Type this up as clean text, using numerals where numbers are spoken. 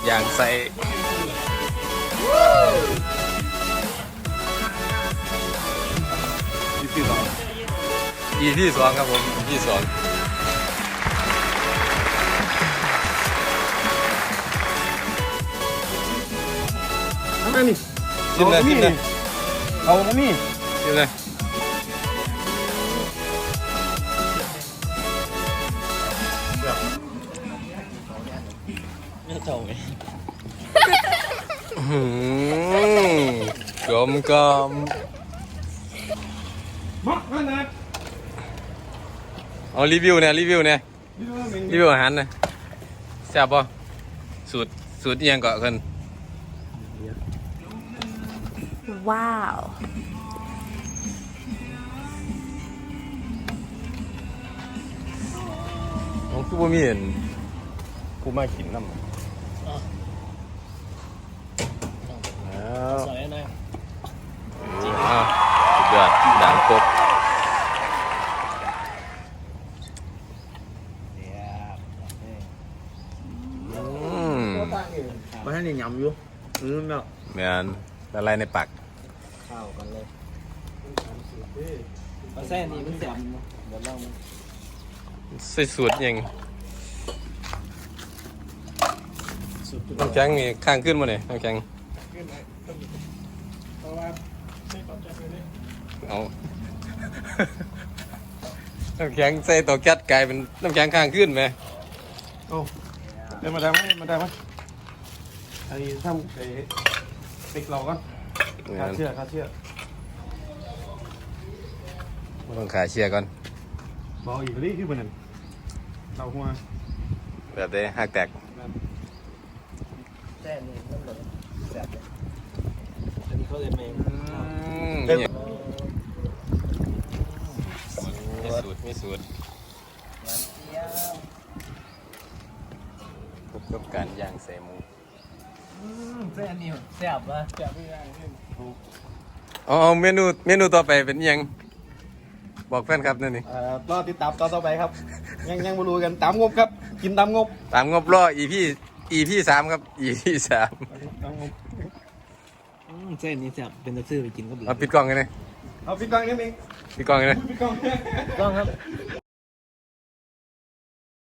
อย่างใส่ EP สองครับผม EP สองทำไมนี่กินเลยกินเลยเอามานี่กินเลยไม่เจ้าไงกลมกลมมาขนาดเอารีวิวเนี่ยรีวิวอาหารเนี่ยแซ่บป่ะสูตรเอียงเกาะกันว้าวของคือบ่มีเห็นผู้มากินน้ำแล้วสวยนะอ้าวสุดยอดด่างกบมาให้นี่ยำอยู่เนาะเหมือนละลายในปากข้าวกันเลยปลาแซ่นี่มันแซ่บเนาะเดี๋ยวลองใส่สูตรยังสุดน้ำแข็งนี่ข้างขึ้นมาเนี่ยน้ำแข็งเอา น้ำแข็งใส่ตัวแก๊สกลายเป็นน้ำแข็งข้างขึ้นไหมโอ้เดี๋ยวมาได้ไหมไอ้ทำไอ้ติ๊กเราก่อนคาเชื่อต้องขาเชียร์ก่อนบอกอีกนี่คือมันเราหัวแบบได้หักแตกแซ่นี่มันเลยแซ่บเลยอันนี้เขาเลยเมงนี่มีสูตรพบกับการย่างใส่หมูแซ่นี่แซ่บวะแซ่บไม่ได้เอาเมนูต่อไปเป็นอิหยังบอกแฟนครับนั่นนี่รอติดตามตอนต่อไปครับ ยังไม่รู้กันตามงบครับ กินตามงบตามงบรอ EP 3ครับ EP 3 ตามงบแซ่นี่แซ่บเป็นตะซื่อไปกินก็เบื่อเอาปิดกล้องกันเลยเอาพี่กองนี่เองปิดกล้องกันเลยพี่กองต้องครับ